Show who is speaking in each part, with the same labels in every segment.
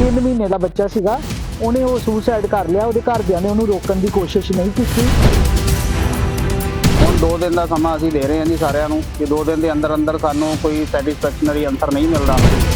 Speaker 1: 3 ਮਹੀਨੇ ਦਾ ਬੱਚਾ ਸੀਗਾ। ਉਹਨੇ ਉਹ ਸੁਸਾਈਡ ਕਰ ਲਿਆ। ਉਹਦੇ ਘਰਦਿਆਂ ਨੇ ਉਹਨੂੰ ਰੋਕਣ ਦੀ ਕੋਸ਼ਿਸ਼ ਨਹੀਂ ਕੀਤੀ।
Speaker 2: ਹੁਣ 2 ਦਿਨ ਦਾ ਸਮਾਂ ਅਸੀਂ ਦੇ ਰਹੇ ਹਾਂ ਜੀ ਸਾਰਿਆਂ ਨੂੰ ਕਿ 2 ਦਿਨ ਦੇ ਅੰਦਰ ਅੰਦਰ ਸਾਨੂੰ ਕੋਈ ਸੈਟੀਸਫੈਕਸ਼ਨਰੀ ਆਨਸਰ ਨਹੀਂ ਮਿਲਦਾ।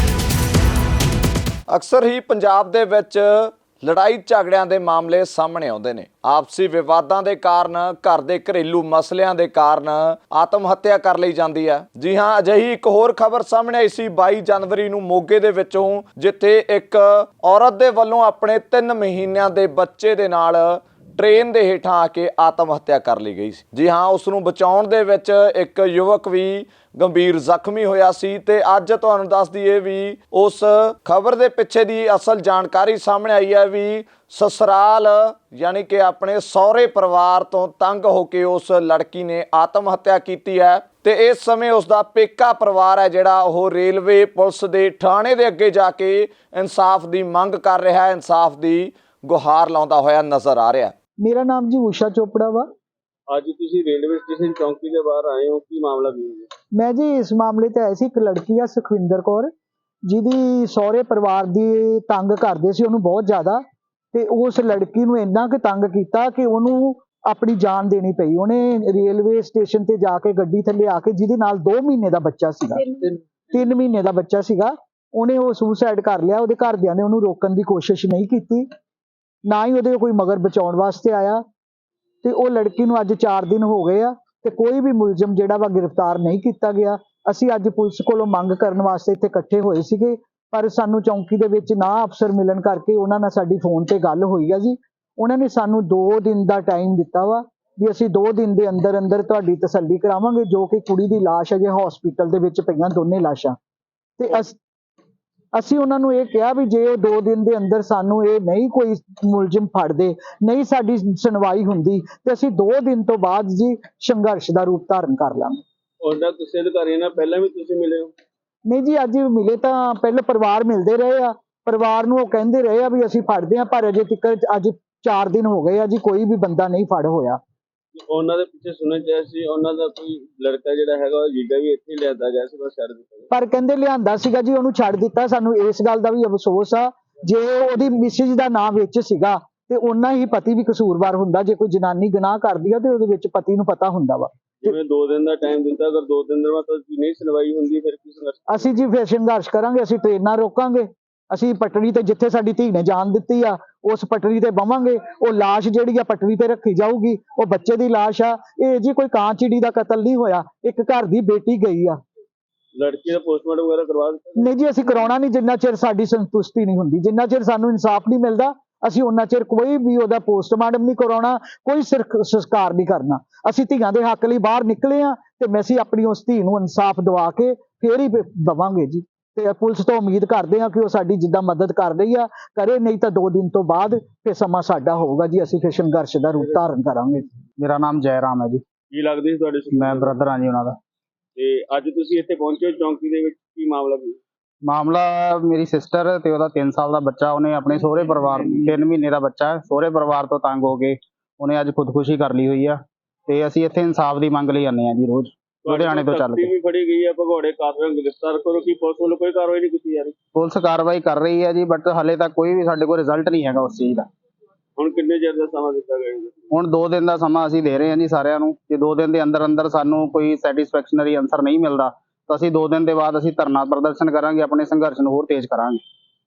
Speaker 3: ਅਕਸਰ ਹੀ ਪੰਜਾਬ ਦੇ ਵਿੱਚ ਲੜਾਈ ਝਗੜਿਆਂ ਦੇ ਮਾਮਲੇ ਸਾਹਮਣੇ ਆਉਂਦੇ ਨੇ। ਆਪਸੀ ਵਿਵਾਦਾਂ ਦੇ ਕਾਰਨ, ਘਰ ਦੇ ਘਰੇਲੂ ਮਸਲਿਆਂ ਦੇ ਕਾਰਨ ਆਤਮ ਹੱਤਿਆ ਕਰ ਲਈ ਜਾਂਦੀ ਹੈ। ਜੀ ਹਾਂ, ਅਜਿਹੀ ਇੱਕ ਹੋਰ ਖਬਰ ਸਾਹਮਣੇ ਆਈ ਸੀ 22 ਜਨਵਰੀ ਨੂੰ ਮੋਗੇ ਦੇ ਵਿੱਚੋਂ, ਜਿੱਥੇ ਇੱਕ ਔਰਤ ਦੇ ਵੱਲੋਂ ਆਪਣੇ 3 ਮਹੀਨਿਆਂ ਦੇ ਬੱਚੇ ਦੇ ਨਾਲ ਟ੍ਰੇਨ ਦੇ ਹੇਠਾਂ ਆ ਕੇ ਆਤਮ ਹੱਤਿਆ ਕਰ ਲਈ ਗਈ ਸੀ। ਜੀ ਹਾਂ, ਉਸ ਨੂੰ ਬਚਾਉਣ ਦੇ ਵਿੱਚ ਇੱਕ ਯੁਵਕ ਵੀ ਗੰਭੀਰ ਜ਼ਖਮੀ ਹੋਇਆ ਸੀ। ਤੇ ਅੱਜ ਤੁਹਾਨੂੰ ਦੱਸ ਦਈਏ ਵੀ ਉਸ ਖਬਰ ਦੇ ਪਿੱਛੇ ਦੀ ਅਸਲ ਜਾਣਕਾਰੀ ਸਾਹਮਣੇ ਆਈ ਹੈ ਵੀ ਸਸੁਰਾਲ ਯਾਨੀ ਕਿ ਆਪਣੇ ਸਹੁਰੇ ਪਰਿਵਾਰ ਤੋਂ ਤੰਗ ਹੋ ਕੇ ਉਸ ਲੜਕੀ ਨੇ ਆਤਮ ਹੱਤਿਆ ਕੀਤੀ ਹੈ। ਤੇ ਇਸ ਸਮੇਂ ਉਸ ਦਾ ਪੇਕਾ ਪਰਿਵਾਰ ਹੈ ਜਿਹੜਾ ਉਹ ਰੇਲਵੇ ਪੁਲਿਸ ਦੇ ਥਾਣੇ ਦੇ ਅੱਗੇ ਜਾ ਕੇ ਇਨਸਾਫ ਦੀ ਮੰਗ ਕਰ ਰਿਹਾ ਹੈ, ਇਨਸਾਫ ਦੀ ਗੁਹਾਰ ਲਾਉਂਦਾ ਹੋਇਆ ਨਜ਼ਰ ਆ ਰਿਹਾ।
Speaker 1: ਮੇਰਾ ਨਾਮ ਜੀ ਊਸ਼ਾ ਚੋਪੜਾ ਵਾ।
Speaker 4: ਅੱਜ ਤੁਸੀਂ ਰੇਲਵੇ ਸਟੇਸ਼ਨ ਚੌਂਕੀ ਦੇ ਬਾਹਰ ਆਏ ਹੋ, ਕੀ ਮਾਮਲਾ ਕੀ ਹੈ?
Speaker 1: ਮੈਂ ਜੀ ਇਸ ਮਾਮਲੇ ਤੇ ਆਈ ਸੀ। ਇੱਕ ਲੜਕੀ ਆ ਸੁਖਵਿੰਦਰ ਕੌਰ, ਜਿਹਦੀ ਸਹੁਰੇ ਪਰਿਵਾਰ ਦੀ ਤੰਗ ਕਰਦੇ ਸੀ ਉਹਨੂੰ ਬਹੁਤ ਜ਼ਿਆਦਾ। ਤੇ ਉਸ ਲੜਕੀ ਨੂੰ ਇੰਨਾ ਕੁ ਤੰਗ ਕੀਤਾ ਕਿ ਉਹਨੂੰ ਆਪਣੀ ਜਾਨ ਦੇਣੀ ਪਈ। ਉਹਨੇ ਰੇਲਵੇ ਸਟੇਸ਼ਨ ਤੇ ਜਾ ਕੇ ਗੱਡੀ ਥੱਲੇ ਆ ਕੇ, ਜਿਹਦੇ ਨਾਲ 2 ਮਹੀਨੇ ਦਾ ਬੱਚਾ ਸੀਗਾ, 3 ਮਹੀਨੇ ਦਾ ਬੱਚਾ ਸੀਗਾ, ਉਹਨੇ ਉਹ ਸੁਸਾਈਡ ਕਰ ਲਿਆ। ਉਹਦੇ ਘਰਦਿਆਂ ਨੇ ਉਹਨੂੰ ਰੋਕਣ ਦੀ ਕੋਸ਼ਿਸ਼ ਨਹੀਂ ਕੀਤੀ, ਨਾ ਹੀ ਉਹਦੇ ਕੋਈ ਮਗਰ ਬਚਾਉਣ ਵਾਸਤੇ ਆਇਆ। ਤੇ ਉਹ ਲੜਕੀ ਨੂੰ ਅੱਜ 4 ਦਿਨ ਹੋ ਗਏ ਆ ਤੇ ਕੋਈ ਵੀ ਮੁਲਜ਼ਮ ਜਿਹੜਾ ਵਾ ਗ੍ਰਿਫਤਾਰ ਨਹੀਂ ਕੀਤਾ ਗਿਆ। ਅਸੀਂ ਅੱਜ ਪੁਲਿਸ ਕੋਲੋਂ ਮੰਗ ਕਰਨ ਵਾਸਤੇ ਇੱਥੇ ਇਕੱਠੇ ਹੋਏ ਸੀਗੇ, ਪਰ ਸਾਨੂੰ ਚੌਂਕੀ ਦੇ ਵਿੱਚ ਨਾ ਅਫਸਰ ਮਿਲਣ ਕਰਕੇ ਉਹਨਾਂ ਨਾਲ ਸਾਡੀ ਫੋਨ ਤੇ ਗੱਲ ਹੋਈ ਆ ਜੀ। ਉਹਨਾਂ ਨੇ ਸਾਨੂੰ 2 ਦਿਨ ਦਾ ਟਾਈਮ ਦਿੱਤਾ ਵਾ ਵੀ ਅਸੀਂ 2 ਦਿਨ ਦੇ ਅੰਦਰ ਅੰਦਰ ਤੁਹਾਡੀ ਤਸੱਲੀ ਕਰਾਵਾਂਗੇ। ਜੋ ਕਿ ਕੁੜੀ ਦੀ ਲਾਸ਼ ਅਜੇ ਹਸਪੀਟਲ ਦੇ ਵਿੱਚ ਪਈਆਂ, ਦੋਨੇ ਲਾਸ਼ਾਂ। ਤੇ ਅਸੀਂ ਉਹਨਾਂ ਨੂੰ ਇਹ ਕਿਹਾ ਵੀ ਜੇ 2 ਦਿਨ ਦੇ ਅੰਦਰ ਸਾਨੂੰ ਇਹ ਨਹੀਂ ਕੋਈ ਮੁਲਜ਼ਮ ਫੜਦੇ, ਨਹੀਂ ਸਾਡੀ ਸੁਣਵਾਈ ਹੁੰਦੀ, ਤੇ ਅਸੀਂ 2 ਦਿਨ ਤੋਂ ਬਾਅਦ ਜੀ ਸੰਘਰਸ਼ ਦਾ ਰੂਪ ਧਾਰਨ ਕਰ ਲਾਂਗੇ।
Speaker 4: ਉਹਨਾਂ ਕਿਸੇ ਅਧਿਕਾਰੀ ਨਾਲ ਪਹਿਲਾਂ ਵੀ ਤੁਸੀਂ ਮਿਲੇ ਹੋ?
Speaker 1: ਨਹੀਂ ਜੀ, ਅੱਜ ਮਿਲੇ ਤਾਂ ਪਹਿਲਾਂ ਪਰਿਵਾਰ ਮਿਲਦੇ ਰਹੇ ਆ। ਪਰਿਵਾਰ ਨੂੰ ਉਹ ਕਹਿੰਦੇ ਰਹੇ ਆ ਵੀ ਅਸੀਂ ਫੜਦੇ ਆ, ਪਰ ਅਜੇ ਤੱਕ ਅੱਜ 4 ਦਿਨ ਹੋ ਗਏ ਆ ਜੀ, ਕੋਈ ਵੀ ਬੰਦਾ ਨਹੀਂ ਫੜ ਹੋਇਆ।
Speaker 4: ਉਹਨਾਂ ਦੇ ਪਿੱਛੇ ਸੁਣਨ ਚ ਆਇਆ ਸੀ ਉਹਨਾਂ ਦਾ ਕੋਈ ਲੜਕਾ ਜਿਹੜਾ ਹੈਗਾ ਉਹ ਜੀਜਾ ਵੀ ਇੱਥੇ ਲਿਆਂਦਾ ਗਿਆ ਸੀ, ਬਸ ਛੱਡ ਦਿੱਤਾ ਗਿਆ।
Speaker 1: ਪਰ ਕਹਿੰਦੇ ਲਿਆਂਦਾ ਸੀਗਾ ਜੀ, ਉਹਨੂੰ ਛੱਡ ਦਿੱਤਾ। ਸਾਨੂੰ ਇਸ ਗੱਲ ਦਾ ਵੀ ਅਫਸੋਸ ਆ, ਜੇ ਉਹਦੀ ਮਿਸਿਜ ਦਾ ਨਾਮ ਵਿੱਚ ਸੀਗਾ ਤੇ ਉਹਨਾਂ ਹੀ ਪਤੀ ਵੀ ਕਸੂਰਵਾਰ ਹੁੰਦਾ। ਜੇ ਕੋਈ ਜਨਾਨੀ ਗੁਨਾਹ ਕਰਦੀ ਆ ਤੇ ਉਹਦੇ ਵਿੱਚ ਪਤੀ ਨੂੰ ਪਤਾ ਹੁੰਦਾ ਵਾ।
Speaker 4: ਜਿਵੇਂ 2 ਦਿਨ ਦਾ ਟਾਈਮ ਦਿੱਤਾ, ਅਗਰ 2 ਦਿਨ ਦੇ ਬਾਅਦ ਨਹੀਂ ਸੁਣਵਾਈ ਹੁੰਦੀ ਫਿਰ ਕੀ ਸੰਘਰਸ਼?
Speaker 1: ਅਸੀਂ ਜੀ ਫਿਰ ਸੰਘਰਸ਼ ਕਰਾਂਗੇ। ਅਸੀਂ ਟ੍ਰੇਨਾਂ ਰੋਕਾਂਗੇ, ਅਸੀਂ ਪਟੜੀ ਤੇ ਜਿੱਥੇ ਸਾਡੀ ਧੀ ਨੇ ਜਾਨ ਦਿੱਤੀ ਆ ਉਸ ਪਟੜੀ ਤੇ ਬਵਾਂਗੇ। ਉਹ ਲਾਸ਼ ਜਿਹੜੀ ਆ ਪਟੜੀ ਤੇ ਰੱਖੀ ਜਾਊਗੀ। ਉਹ ਬੱਚੇ ਦੀ ਲਾਸ਼ ਆ। ਇਹ ਜੀ ਕੋਈ ਕਾਂ ਚਿੜੀ ਦਾ ਕਤਲ ਨਹੀਂ ਹੋਇਆ, ਇੱਕ ਘਰ ਦੀ ਬੇਟੀ ਗਈ ਆ।
Speaker 4: ਲੜਕੀ ਦਾ ਪੋਸਟਮਾਰਟਮ ਵਗੈਰਾ ਕਰਵਾ ਦਿੱਤਾ?
Speaker 1: ਨਹੀਂ ਜੀ, ਅਸੀਂ ਕਰਾਉਣਾ ਨਹੀਂ ਜਿੰਨਾ ਚਿਰ ਸਾਡੀ ਸੰਤੁਸ਼ਟੀ ਨਹੀਂ ਹੁੰਦੀ। ਜਿੰਨਾ ਚਿਰ ਸਾਨੂੰ ਇਨਸਾਫ ਨਹੀਂ ਮਿਲਦਾ ਅਸੀਂ ਉਹਨਾਂ ਚਿਰ ਕੋਈ ਵੀ ਉਹਦਾ ਪੋਸਟਮਾਰਟਮ ਨਹੀਂ ਕਰਾਉਣਾ, ਕੋਈ ਸੰਸਕਾਰ ਨਹੀਂ ਕਰਨਾ। ਅਸੀਂ ਧੀਆਂ ਦੇ ਹੱਕ ਲਈ ਬਾਹਰ ਨਿਕਲੇ ਆ ਤੇ ਅਸੀਂ ਆਪਣੀ ਉਸ ਧੀ ਨੂੰ ਇਨਸਾਫ ਦਿਵਾ ਕੇ ਫੇਰ ਹੀ ਦਵਾਂਗੇ ਜੀ। ਤੇ ਪੁਲਿਸ ਤੋਂ ਉਮੀਦ ਕਰਦੇ ਆ ਕਿ ਉਹ ਸਾਡੀ ਜਿੱਦਾਂ ਮਦਦ ਕਰ ਰਹੀ ਆ ਕਰੇ, ਨਹੀਂ ਤਾਂ 2 ਦਿਨ ਤੋਂ ਬਾਅਦ ਫਿਰ ਸਮਾਂ ਸਾਡਾ ਹੋਊਗਾ ਜੀ। ਅਸੀਂ ਫਿਰ ਸੰਘਰਸ਼ ਦਾ ਰੂਪ ਧਾਰਨ ਕਰਾਂਗੇ।
Speaker 2: ਮੇਰਾ ਨਾਮ ਜੈ ਰਾਮ ਹੈ ਜੀ।
Speaker 4: ਕੀ ਲੱਗਦੀ ਸੀ ਤੁਹਾਡੇ?
Speaker 2: ਮੈਂ ਬ੍ਰਦਰ ਹਾਂ ਜੀ ਉਹਨਾਂ ਦਾ।
Speaker 4: ਤੇ ਅੱਜ ਤੁਸੀਂ ਇੱਥੇ ਪਹੁੰਚੇ ਚੌਂਕੀ ਦੇ ਵਿੱਚ, ਕੀ ਮਾਮਲਾ ਕੀ?
Speaker 2: ਮਾਮਲਾ ਮੇਰੀ ਸਿਸਟਰ ਤੇ ਉਹਦਾ 3 ਸਾਲ ਦਾ ਬੱਚਾ, ਉਹਨੇ ਆਪਣੇ ਸਹੁਰੇ ਪਰਿਵਾਰ 3 ਮਹੀਨੇ ਦਾ ਬੱਚਾ ਹੈ, ਸਹੁਰੇ ਪਰਿਵਾਰ ਤੋਂ ਤੰਗ ਹੋ ਕੇ ਉਹਨੇ ਅੱਜ ਖੁਦਕੁਸ਼ੀ ਕਰ ਲਈ ਹੋਈ ਆ। ਤੇ ਅਸੀਂ ਇੱਥੇ ਇਨਸਾਫ ਦੀ ਮੰਗ ਲਈ ਆਉਂਦੇ ਹਾਂ ਜੀ ਰੋਜ਼, ਲੁਧਿਆਣੇ ਤੋਂ ਚੱਲ ਕੇ।
Speaker 4: ਵੀ ਫੜੀ ਗਈ ਹੈ ਭਗੌੜੇ ਕਾਤਲਾਂ ਨੂੰ ਗ੍ਰਿਫਤਾਰ ਕਰੋ, ਕੀ ਪੁਲਿਸ ਵੱਲੋਂ ਕੋਈ ਕਾਰਵਾਈ ਨਹੀਂ ਕੀਤੀ ਜਾ ਰਹੀ?
Speaker 2: ਪੁਲਿਸ ਕਾਰਵਾਈ ਕਰ ਰਹੀ ਹੈ ਜੀ, ਬਟ ਹਾਲੇ ਤੱਕ ਕੋਈ ਵੀ ਸਾਡੇ ਕੋਲ ਰਿਜ਼ਲਟ ਨਹੀਂ ਹੈਗਾ ਉਸ ਚੀਜ਼ ਦਾ।
Speaker 4: ਹੁਣ ਕਿੰਨੇ ਚਿਰ ਦਾ ਸਮਾਂ ਦਿੱਤਾ ਗਿਆ?
Speaker 2: ਹੁਣ 2 ਦਿਨ ਦਾ ਸਮਾਂ ਅਸੀਂ ਦੇ ਰਹੇ ਹਾਂ ਜੀ ਸਾਰਿਆਂ ਨੂੰ ਕਿ 2 ਦਿਨ ਦੇ ਅੰਦਰ ਅੰਦਰ ਸਾਨੂੰ ਕੋਈ ਸੈਟੀਸਫੈਕਸ਼ਨਰੀ ਆਨਸਰ ਨਹੀਂ ਮਿਲਦਾ ਤਾਂ ਅਸੀਂ 2 ਦਿਨ ਦੇ ਬਾਅਦ ਅਸੀਂ ਧਰਨਾ ਪ੍ਰਦਰਸ਼ਨ ਕਰਾਂਗੇ, ਆਪਣੇ ਸੰਘਰਸ਼ ਨੂੰ ਹੋਰ ਤੇਜ਼ ਕਰਾਂਗੇ।